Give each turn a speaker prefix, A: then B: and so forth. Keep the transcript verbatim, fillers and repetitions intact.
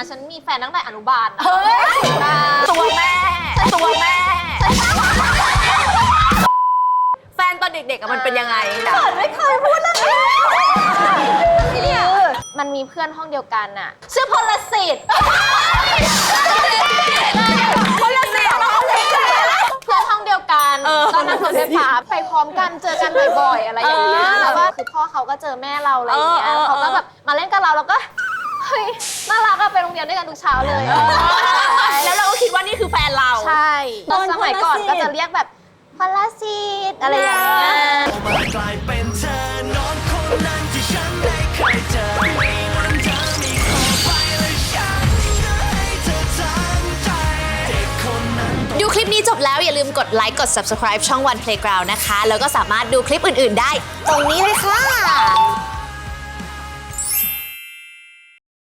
A: ฉันมีแฟนตั้งแต่อนุบาลนะ
B: เฮ้ยตัวแม่ตัวแม่แฟนตอนเด็กๆอะมันเป็นยังไงนะไม่เคยพูดเลย
A: เนี่ยมันมีเพื่อนห้องเดียวกันน่ะชื่อพลสิทธิ์พลสิทธิ์เพื่อนห้องเดียวกันก็นั่งรถไฟฟ้าไปพร้อมกันเจอกันบ่อยๆอะไรอย่างเงี้ยแล้วว่าคือพ่อเขาก็เจอแม่เราอะไรอย่างเงี้ยเขาก็แบบมาเล่นกับเราแล้วก็เฮ้ยน่ารักอะไปโรงเรียนด้วยกันทุกเช้าเลย
B: แล้วเราก็คิดว่านี่คือแฟนเรา
A: ใช่ตอนสมัยก่อนก็จะเรียกแบบพลสิทธิ์อะไรอย่างเงี้ย
C: กลายเป็นเธอนอนคนนั้นที่ฉันได้เคยเจอไม่นั้นเธอมีเข้าไปและฉันจะให้เธอทั้งใจเด็กคนนั้น
D: ดูคลิปนี้จบแล้วอย่าลืมกดไลค์กด ซับสไครบ์ ช่อง วัน เพลย์กราวด์ นะคะแล้วก็สามารถดูคลิปอื่นๆได้ตรงนี้เลยค่ะ